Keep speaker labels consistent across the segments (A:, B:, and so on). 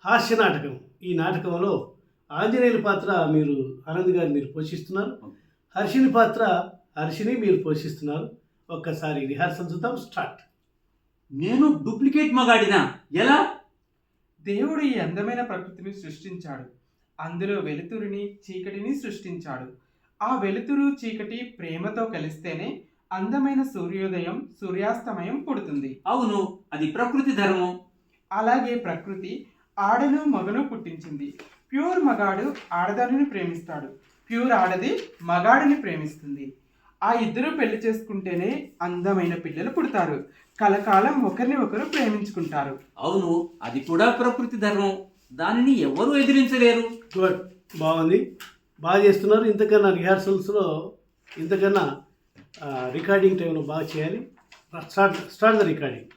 A: హాస్య నాటకం. ఈ నాటకంలో ఆంజనేయుల పాత్ర ఆనంద్ గారు మీరు పోషిస్తున్నారు. హర్షిని పాత్ర హర్షిని మీరు పోషిస్తున్నారు. ఒక్కసారి రిహార్సల్ చూద్దాం. స్టార్ట్.
B: నేను డూప్లికేట్ మగాడినా ఎలా?
C: దేవుడు ఈ అందమైన ప్రకృతిని సృష్టించాడు. అందులో వెలుతురుని చీకటిని సృష్టించాడు. ఆ వెలుతురు చీకటి ప్రేమతో కలిస్తేనే అందమైన సూర్యోదయం సూర్యాస్తమయం పుడుతుంది.
B: అవును, అది ప్రకృతి ధర్మం.
C: అలాగే ప్రకృతి ఆడను మగను పుట్టించింది. ప్యూర్ మగాడు ఆడదానిని ప్రేమిస్తాడు, ప్యూర్ ఆడది మగాడిని ప్రేమిస్తుంది. ఆ ఇద్దరు పెళ్లి చేసుకుంటేనే అందమైన పిల్లలు పుడతారు. కలకాలం ఒకరిని ఒకరు ప్రేమించుకుంటారు.
B: అవును, అది కూడా ప్రకృతి ధర్మం. దానిని ఎవరు ఎదిరించలేరు.
A: గుడ్, బాగుంది, బాగా చేస్తున్నారు. ఇంతకన్నా రిహార్సల్స్లో ఇంతకన్నా రికార్డింగ్ టైంలో బాగా చేయాలి. Start the recording.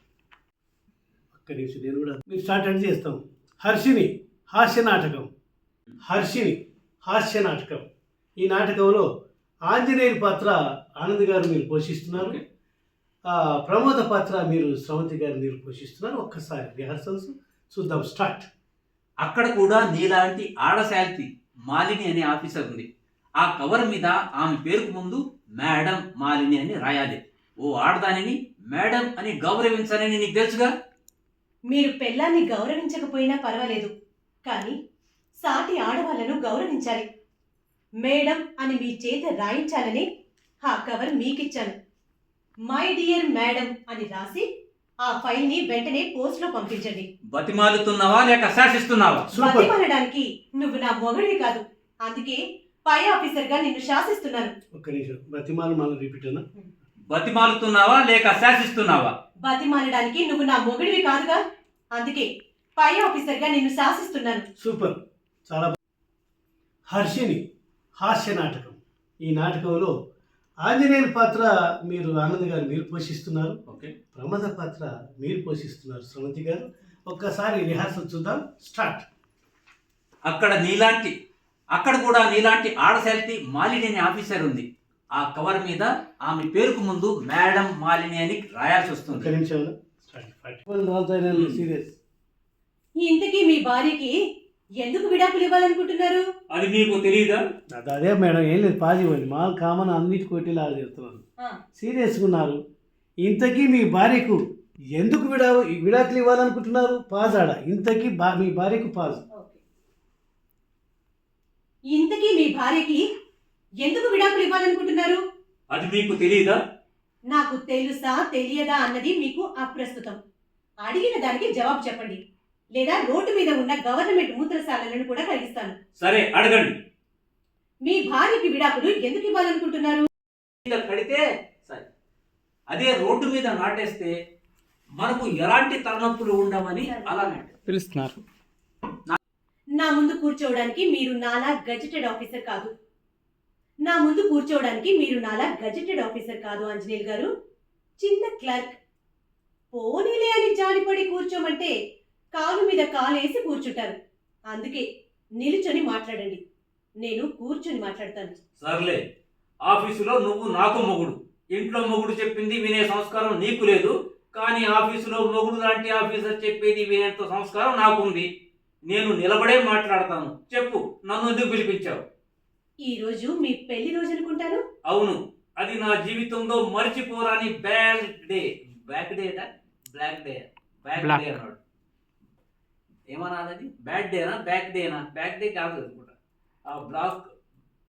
A: ఒక్క నిమిషం, నేను కూడా మీరు స్టార్ట్ అంటే చేస్తాం. హర్షిని హాస్య నాటకం. హర్షిని హాస్య నాటకం. ఈ నాటకంలో ఆంజనేయుల పాత్ర ఆనంద్ గారు మీరు పోషిస్తున్నారు. ప్రమోద పాత్ర స్రవంతి గారు మీరు పోషిస్తున్నారు. ఒక్కసారి రిహార్సల్స్ చూద్దాం. స్టార్ట్.
B: అక్కడ కూడా నీలాంటి ఆడశాల్తి మాలిని అనే ఆఫీసర్ ఉంది. ఆ కవర్ మీద ఆమె పేరుకు ముందు మేడం మాలిని అని రాయాలి. ఓ ఆడదానిని మేడం అని గౌరవించాలని నీకు తెలుసుగా.
D: మీరు పెళ్ళాన్ని గౌరవించకపోయినా పర్వాలేదు, కానీ సాటి ఆడవాళ్లను గౌరవించాలి. మేడం అని మీ చేత రాయించాలని ఆ కవర్ మీకిచ్చాను. మై డియర్ మేడం అని రాసి ఆ ఫైల్ని వెంటనే పోస్ట్లో పంపించండి.
B: బతిమాలుతున్నావా లేక శాసిస్తున్నావా?
D: బతిమాలడానికి నువ్వు నా మొగడివి కాదు, అందుకే పై ఆఫీసర్గా నిన్ను శాసిస్తున్నాను.
A: ఒక్క నిమిషం, బతిమాలు మళ్ళీ రిపీట్ అన్నా.
B: బతిమాలుతున్నావా లేక శాసిస్తున్నావా?
D: బతిమాలడానికి నువ్వు నా మొగడివి కాదుగా, అందుకే పై ఆఫీసర్గా నిన్ను శాసిస్తున్నాను.
A: సూపర్, చాలా హర్షిని హాస్య నాటకం. ఈ నాటకంలో ఆంజనేయుల పాత్ర ఆనంద్ గారు మీరు పోషిస్తున్నారు.
B: ఓకే.
A: ప్రమోద పాత్ర మీరు పోషిస్తున్నారు, స్రవంతి గారు. ఒక్కసారి రిహార్సల్ చూద్దాం. స్టార్ట్.
B: అక్కడ కూడా నీలాంటి ఆడశాల్తి మాలిని అనే ఆఫీసర్ ఉంది. ఆ కవర్ మీద ఆమె పేరుకు ముందు మేడం మాలిని అని రాయాల్సి వస్తుంది.
A: ఒక్క నిమిషం. సీరియస్.
D: ఇంతకీ మీ భార్యకి ఎందుకు విడాకులు ఇవ్వాలనుకుంటున్నారు?
B: అది నీకు తెలియదా?
A: అదే మేడం, ఏం లేదు, పాజ్ ఇవ్వండి. మా కామన్ అన్నిటి కొట్టేలాగా చెప్తున్నాను. సీరియస్గా ఉన్నారు. ఇంతకీ మీ భార్యకు ఎందుకు విడాకులు ఇవ్వాలనుకుంటున్నారు? పాజ్ ఆడ. ఇంతకీ మీ భార్యకు పాజ్.
D: ఇంతకీ మీ భార్యకి ఎందుకు విడాకులు ఇవ్వాలనుకుంటున్నారు?
B: అది మీకు తెలియదా?
D: నాకు తెలుసా తెలియదా అన్నది మీకు అప్రస్తుతం. అడిగిన దానికి జవాబు చెప్పండి, లేదా రోడ్డు మీద ఉన్న గవర్నమెంట్ మూత్రశాలలను కూడా కలిగిస్తాను.
B: సరే, అడగండి.
D: మీ భార్యకి విడాకులు ఎందుకు ఇవ్వాలనుకుంటున్నారు?
B: కడితే సరే, అదే రోడ్డు మీద నాటేస్తే మనకు ఎలాంటి తలనొప్పులు ఉండవని అలా
C: పిలుస్తున్నారు.
D: నా ముందు కూర్చోవడానికి మీరు నాలా గజెటెడ్ ఆఫీసర్ కాదు. నా ముందు కూర్చోవడానికి మీరు నాలా గజెటెడ్ ఆఫీసర్ కాదు ఆంజనేయులు గారు. చిన్న క్లర్క్. పోనీలే అని జాలిపడి కూర్చోమంటే కాలు మీద కాలేసి కూర్చుంటారు. అందుకే నిలుచొని మాట్లాడండి, నేను కూర్చొని మాట్లాడతాను.
B: సర్లే, ఆఫీసులో నువ్వు నాకు మొగుడు, ఇంట్లో మొగుడు చెప్పింది వినే సంస్కారం నీకు లేదు. కానీ ఆఫీసులో మొగుడు లాంటి ఆఫీసర్ చెప్పేది వినేంత సంస్కారం నాకుంది. నేను నిలబడే మాట్లాడతాను. చెప్పు, నన్ను ఎందుకు పిలిపించావు?
D: ఈ రోజు మీ పెళ్లి రోజు అనుకుంటాను.
B: అవును, అది నా జీవితంలో మర్చిపోరాని bad day. Back data black day అన్నాడు. ఏమన్నా అది బ్యాడ్ డేనా బ్యాక్ డేనా? బ్యాక్ డే కాదు అనుకుంటా. ఆ